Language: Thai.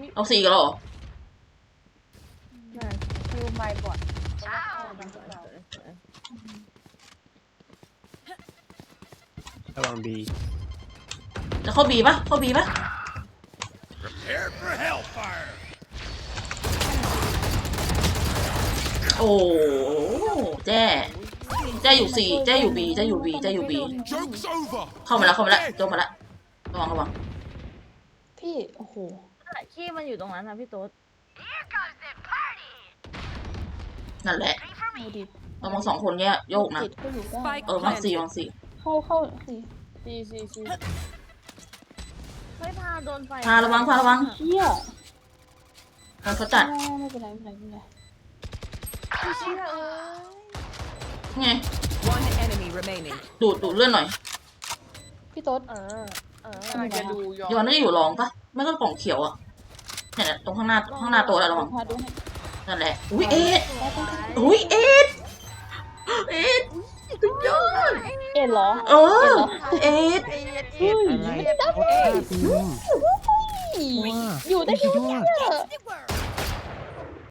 เอาสี่กันหรอคิวไมค์บอดระวังบีจะเข้าบีปะเข้าบีปะ Prepare for hellfire. โอ้แจ้อยู่สี่แจ้อยู่บีแจ้อยู่บีแจ้อยู่บี Joke's over. เข้ามาแล้วโจมมาแล้วระวังพี่โอ้โหขี้มันอยู่ตรงนั้นนะพี่โต๊ดนั่นแหละดูดิระวังสองคนเนี้ยโยกนะติดก็อยู่ได้วางสี่เข้าสิเฮ้ยพาโดนไฟพาระวังเชี่ยเขาจัดไม่เป็นไรเชี่ยไง One enemy remaining. ดูดเลื่อนหน่อยพี่โต๊ดจะดูย้อนน่าจะอยู่รองปะไม่ก็กล่องเขียวอ่ะเนี่ยตรงข้างหน้าโต๊ะแล้วระวังพาดูให้นั่นแหละอุ้ยเอ็ดสุดยอดเอ็ดเหรอเออเอ็ดเฮ้ยไม่ได้โอ้ยอยู่ได้สุแค่ดยอดเนี่ย